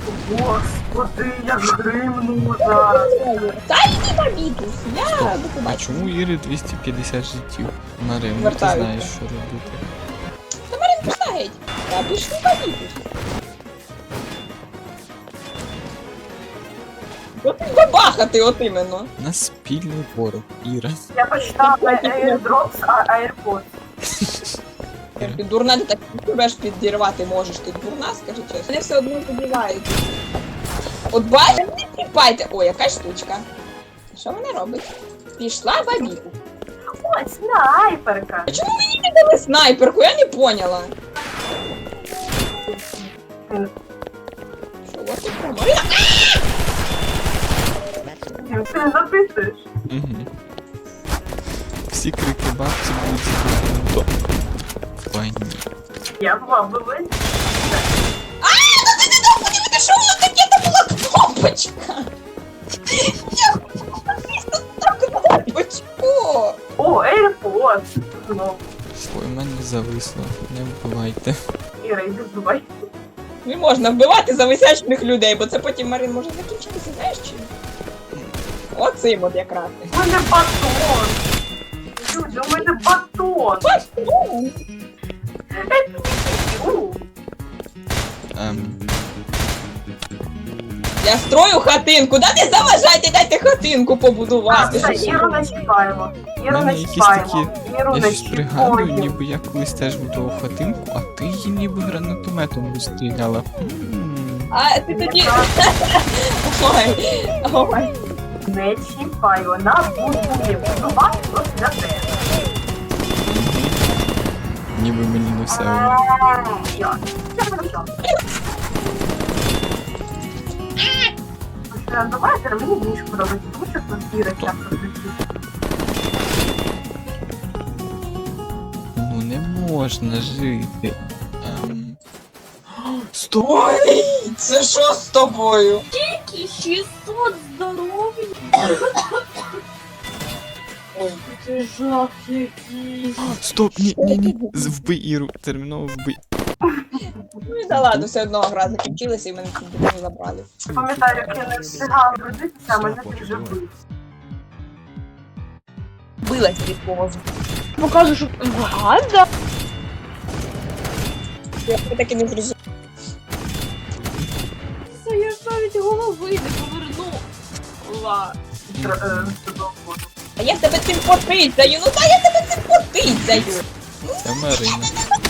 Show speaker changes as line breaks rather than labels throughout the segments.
Господи, як гримну зараз.
Та йди бабітус, я до
А
побачення.
чому у Іри 250 життів? Марин, ти
Вертаюся.
знаєш, що робити.
Та Марин, пішла геть. Та пішли бабітус. От бабахати от іменно.
У нас спільний ворог, Іра.
Я почитала airdrops, а AirPods.
Ти дурна, ти так себе ж підірвати можеш. Ти дурна, скажи чесно. Вони все одно задівають. От бачите, не чіпайте. О, яка штучка. Що вона робить? Пішла бабіку.
Ой, снайперка.
А чому мені не дали снайперку? Я не поняла. Що, от і про Марина?
Ти не записуєш?
Угу. Всі крики бабці будуть зроблені до війни.
Я була в Лувені.
А, ну ти не дав подивити, що воно таке, то була кнопочка. Я просто так кнопочку.
О, AirPods. Знову.
Ой, у мене зависло, не вбивайте.
Іра, йди вбивай.
Не можна вбивати зависячних людей, бо це потім, Марин, може закінчитися, знаєш чим? Оцим от якраз.
У мене батон. Люди, у мене батон.
Батон! Я строю хатинку, да не заважайте, дайте хатинку побудувати.
Все, Іру не чіпаємо.
У
Іру
мене
не
якісь
чіпаємо. Іру
Я
не
щось пригадую,
чіпаємо.
ніби я колись теж будував хатинку, а ти її ніби гранатометом розстріляла.
А ти тоді... Ой, ой.
Не чіпай, вона будує. Будувати просто для тебе.
Ніби мені не все одно.
Я хорошо. Давайте, мені більше подобається, тому що тут Іра часто звучить.
Ну не можна жити. Стоп!
Ой, це що з тобою?
600 здоров'я.
Ой.
Це жах який.
Стоп! Ні. Вбий Іру, терміново вбий.
Ну і да ладно, все одно гра закінчилася і мене не забрали.
Пам'ятаю, як я не встигала родитися, а мене ти вже бив.
Билась від повозу.
Покажу, що гада.
Я так і не зрозуміла.
Це я ж навіть голови не повернула.
А я тебе цим потицяю, ну та я тебе цим потицяю.
Це Марина.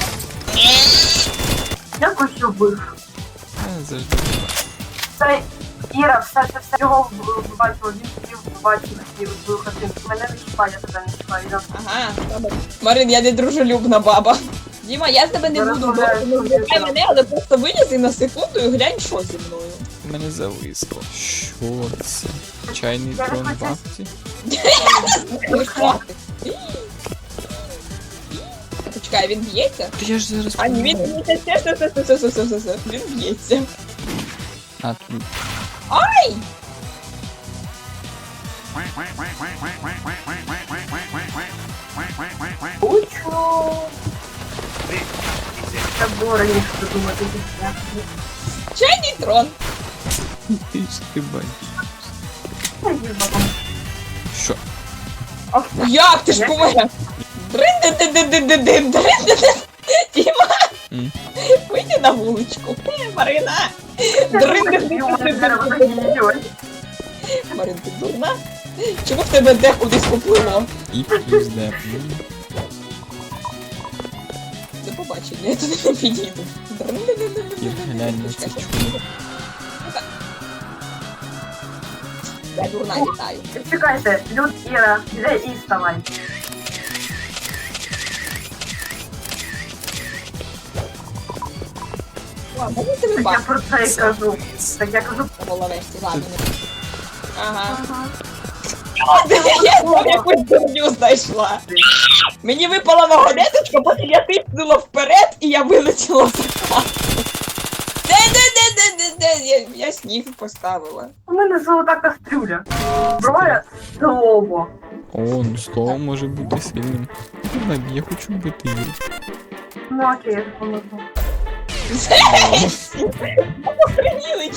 Дякую, що бив.
Я завжди була.
Це Іра, все його бачила, він хотів побачити свою хатинку. Мене не чіпає, я тебе не чіпаю.
Ага, добре. Марин, я не дружелюбна баба. Діма, я з тебе не буду бити, не вбивай мене, але просто вилізи на секунду і глянь, що зі мною.
Мене зависло. Що це? Чайний трон бабці?
Почекай, він б'ється?
Та я ж зараз
А ні, він
помру.
б'ється, все, він б'ється.
А, тут.
Ай!
Учу. Це було раніше додумати.
Чайний трон.
Ти ж ти бачиш. Що?
Як ти ж помер? Дрин-дин-дин-дин-дин-дин, дрин-дин-дин. Діма,
М.
вийди на вуличку. Марина. Дрин-дин-дин-дин-дин. Марин, ти дурна? Чому в тебе де кудись поплило?
І плюс де.
До побачення, я туди не підійду.
Ір, глянь на це чудо.
Я дурна літаю.
Чекайте, Люд, Іра, де і вставай.
О, можна тебе
Так я
бачити?
про це і кажу. Так я кажу.
По головешці, ладно. Ага.
Ага.
Я якусь дурню знайшла. Мені випала вагонеточка, потім я тиснула вперед і я вилетіла в хату. Де? Я сніг поставила.
У мене золота кастрюля. Зброя слово.
О, ну слово може бути сильним. Давай, я хочу вбити Іру.
Ну окей, я допоможу.
Охреніли